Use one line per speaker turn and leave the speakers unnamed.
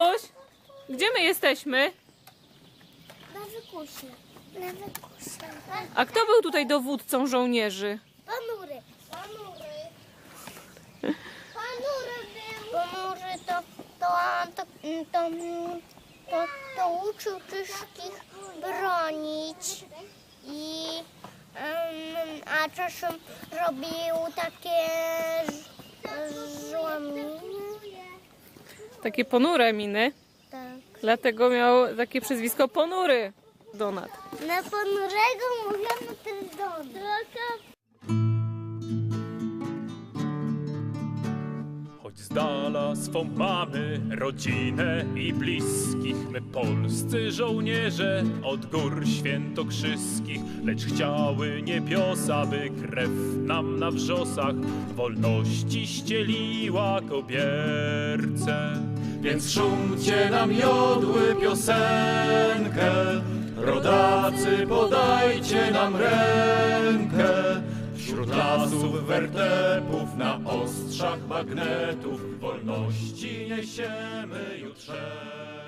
Oś, gdzie my jesteśmy?
Na wykusie. Na wykusie.
A kto był tutaj dowódcą żołnierzy?
Ponury. Ponury. Ponury był. Ponury to uczył wszystkich bronić. A czasem robił takie złaminy.
Takie ponure miny.
Tak.
Dlatego miał takie przezwisko Ponury Donat.
Na ponurego mówiono ten dom.
Choć z dala swą mamy, rodzinę i bliskich, my polscy żołnierze od gór świętokrzyskich, lecz chciały niebiosa, by krew nam na wrzosach wolności ścieliła kobierce. Więc szumcie nam jodły piosenkę, rodacy podajcie nam rękę. Wśród lasów wertepów, na ostrzach magnetów, wolności niesiemy jutrze.